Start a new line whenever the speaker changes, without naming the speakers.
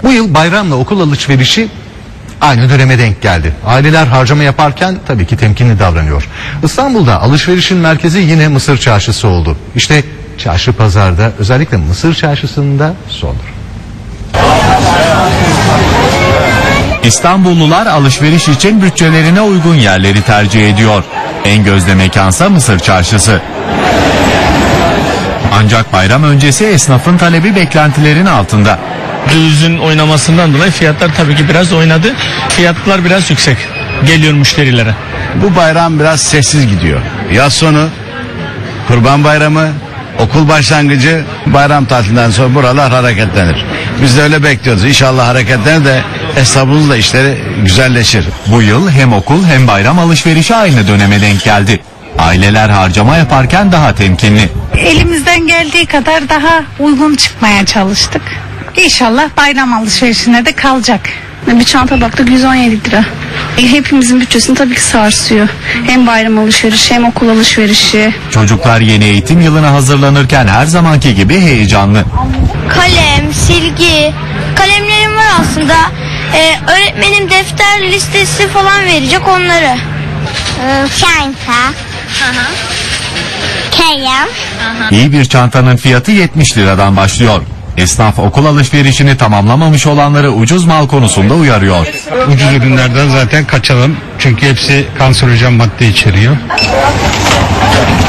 Bu yıl bayramla okul alışverişi aynı döneme denk geldi. Aileler harcama yaparken tabii ki temkinli davranıyor. İstanbul'da alışverişin merkezi yine Mısır Çarşısı oldu. İşte çarşı pazarda, özellikle Mısır Çarşısı'nda sondur.
İstanbullular alışveriş için bütçelerine uygun yerleri tercih ediyor. En gözde mekansa Mısır Çarşısı. Ancak bayram öncesi esnafın talebi beklentilerin altında.
Dövizin oynamasından dolayı fiyatlar tabii ki biraz oynadı. Fiyatlar biraz yüksek geliyor müşterilere.
Bu bayram biraz sessiz gidiyor. Yaz sonu, Kurban Bayramı, okul başlangıcı, bayram tatilinden sonra buralar hareketlenir. Biz de öyle bekliyoruz. İnşallah hareketlenir de esnafımızın da işleri güzelleşir.
Bu yıl hem okul hem bayram alışverişi aynı döneme denk geldi. Aileler harcama yaparken daha temkinli.
Elimizden geldiği kadar daha uygun çıkmaya çalıştık. İnşallah bayram alışverişine de kalacak.
Bir çanta baktık 117 lira. Hepimizin bütçesini tabii ki sarsıyor. Hem bayram alışverişi hem okul alışverişi.
Çocuklar yeni eğitim yılına hazırlanırken her zamanki gibi heyecanlı.
Kalem, silgi, kalemlerim var aslında. Öğretmenim defter listesi falan verecek onları. Çanta. Kalem.
İyi bir çantanın fiyatı 70 liradan başlıyor. Esnaf okul alışverişini tamamlamamış olanları ucuz mal konusunda uyarıyor.
Ucuz ürünlerden zaten kaçalım. Çünkü hepsi kanserojen madde içeriyor.